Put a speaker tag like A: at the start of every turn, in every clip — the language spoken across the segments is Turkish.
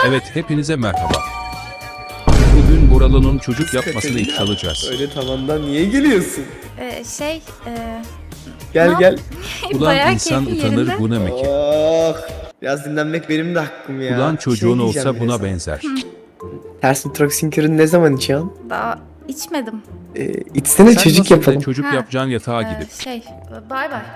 A: Evet, hepinize merhaba. Bugün Buralı'nın çocuk yapmasını ilk çalacağız.
B: Öyle tavandan niye geliyorsun?
C: Şey,
B: Gel
C: Ne
B: gel.
A: Ulan
C: bayağı
A: insan
C: keyfi
A: utanır
C: yerinde.
A: bu ne ki?
B: Oh. Biraz dinlenmek benim de hakkım ya.
A: Ulan çocuğun
B: Şey
A: olsa
B: diyeceğim
A: buna
B: biraz.
A: benzer.
B: Ters nitroksinkürünü ne zaman içiyorsun?
C: Daha içmedim.
B: İçsene
A: Sen
B: çocuk
A: nasıl
B: yapalım.
A: çocuk
C: Ha.
A: yapacağın yatağa gidip.
C: Bay bay.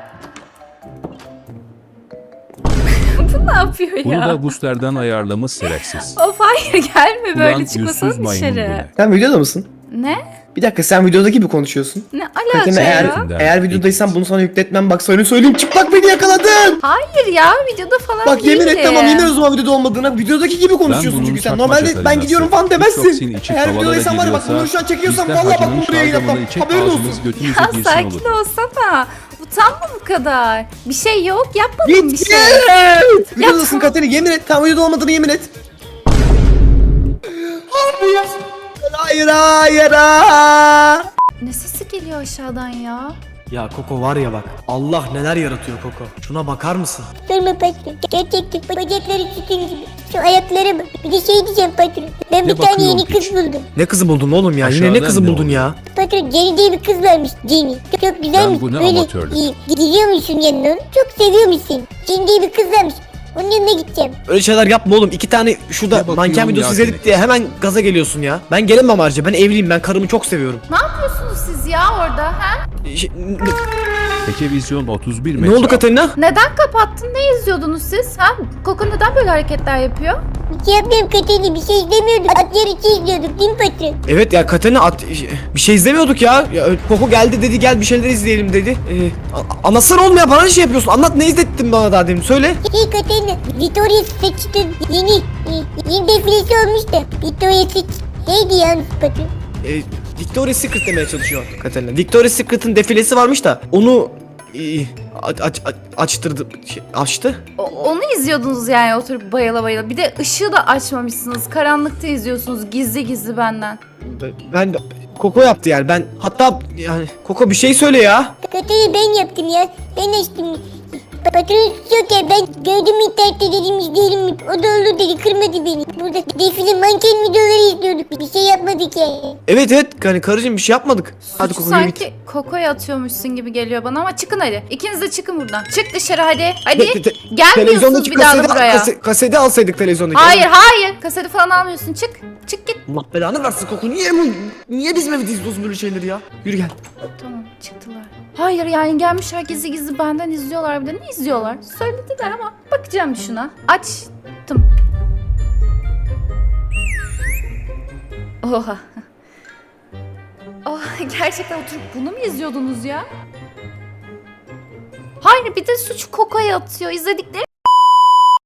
C: Bu ne yapıyor ya?
A: Bunu da booster'dan ayarlamış şerefsiz.
C: Of hayır gelme
A: Ulan
C: böyle
A: yüzsüz
C: çıkmasana
A: maymun bu
C: dışarı.
A: ne?
B: Sen videoda mısın?
C: Ne?
B: Bir dakika, sen videoda gibi konuşuyorsun.
C: Ne alaka
B: Katerina,
C: ya?
B: eğer videodaysan bunu sana yükletmem, bak sana söyleyeyim, çıplak beni yakaladın.
C: Hayır ya videoda falan
B: Bak yemin et,
C: değilim.
B: tamam yemin et o zaman videoda olmadığına, videodaki gibi konuşuyorsun
A: bunun
B: çünkü sen.
A: çakma
B: Normalde ben
A: Katarinası.
B: gidiyorum falan
A: TikTok'sin
B: demezsin.
A: içi
B: Eğer
A: havalara
B: videodaysan var ya, bak
A: giriyorsa,
B: bunu şu an çekiyorsan
A: biz de
B: vallahi bak
A: hacının
B: bunu buraya yapmam.
A: şalgamını içip
B: Haberin olsun.
A: ağzımız götümüze
C: Ya
A: girsin
C: sakin
A: olur.
C: olsana. Utanma bu kadar. Bir şey yok yapmadım bir
B: Git
C: şey.
B: git. Videodasın
C: tamam.
B: Katerina, yemin et, tam videoda olmadığını yemin et. Hayır hayır hayır.
C: Ne sesi geliyor aşağıdan ya?
D: Ya Koko var ya bak, Allah neler yaratıyor Koko. Şuna bakar mısın?
E: Sorma patron. Gerçekten bacakları sütun gibi. Şu ayaklara bak. Bir de şey diyeceğim patron. Ben
A: Ne
E: bir tane
A: bakıyorsun
E: yeni kız
A: piç?
E: buldum.
D: Ne kızı buldun oğlum ya? Yine
A: Aşağıdan
D: ne kızı
A: ne
D: buldun
A: oldu?
D: ya?
E: Patron Jenny diye bir kız varmış. Jenny. Çok güzelmiş.
A: bu ne
E: Böyle
A: amatörlük?
E: gidiyormuşsun yanına. Çok seviyormuşsun. Jenny diye bir kız varmış. Onun yanına gideceğim.
D: Öyle şeyler yapma oğlum. 2 tane şurada
A: Ne bakıyorsun
D: manken videosu
A: ya
D: izledik
A: seni?
D: diye hemen gaza geliyorsun ya. Ben gelemem ayrıca. Ben evliyim. Ben karımı çok seviyorum.
C: Ne yapıyorsunuz siz ya orada ha?
D: Şey,
A: Peki vizyon 31
D: ne
A: metre.
D: oldu Katerina?
C: Neden kapattın? Ne izliyordunuz siz? Ha? Koko neden böyle hareketler yapıyor?
E: Bir şey yapmıyorum Katerina. Bir şey izlemiyorduk. At yarışı izliyorduk değil mi patron?
D: Evet ya Katerina bir şey izlemiyorduk ya. Koko geldi dedi gel bir şeyler izleyelim dedi. Anlatsana oğlum ya, bana ne şey yapıyorsun? Anlat, ne izlettin bana daha demin, söyle.
E: Şey Katerina. Victoria's Secret'ın yeni defilesi olmuş da. Victoria's Secret. Neydi ya patron?
D: Victoria's Secret demeye çalışıyor Katerina. Victoria's Secret'ın defilesi varmış da onu açtırdı, açtı.
C: Onu izliyordunuz yani oturup bayıla bayıla. Bir de ışığı da açmamışsınız. Karanlıkta izliyorsunuz gizli gizli benden.
D: Ben Koko yaptı yani. Ben hatta yani Koko bir şey söyle ya.
E: Katerina ben yaptım ya. Ben açtım. Patron yok ya, ben gördüm internette, dedim izleyelim mi? O da olur dedi, kırmadı beni. Burada defile manken videoları izliyorduk. Bir şey yapmadık yani.
D: Evet hani karıcığım bir şey yapmadık. Hadi
C: Suçu
D: Koko yürü git.
C: sanki Koko'ya atıyormuşsun gibi geliyor bana ama çıkın hadi. İkiniz de çıkın buradan. Çık dışarı hadi. Hadi. Gelmiyorsunuz
D: Televizyondaki
C: bir daha da buraya.
D: kaseti alsaydık televizyondaki.
C: Hayır. Kaseti falan almıyorsun. Çık. Çık git.
D: Allah belanı versin Koko. Niye bizim evde izliyorsun böyle şeyleri ya? Yürü gel.
C: Tamam çıktılar. Hayır yani gelmişler gizli gizli benden izliyorlar bir de. Ne izliyorlar? Söylediler ama bakacağım bir şuna. Açtım. Oha. Oh, gerçekten oturup bunu mu izliyordunuz ya? Hayır bir de suçu Koko'ya atıyor. İzledikleri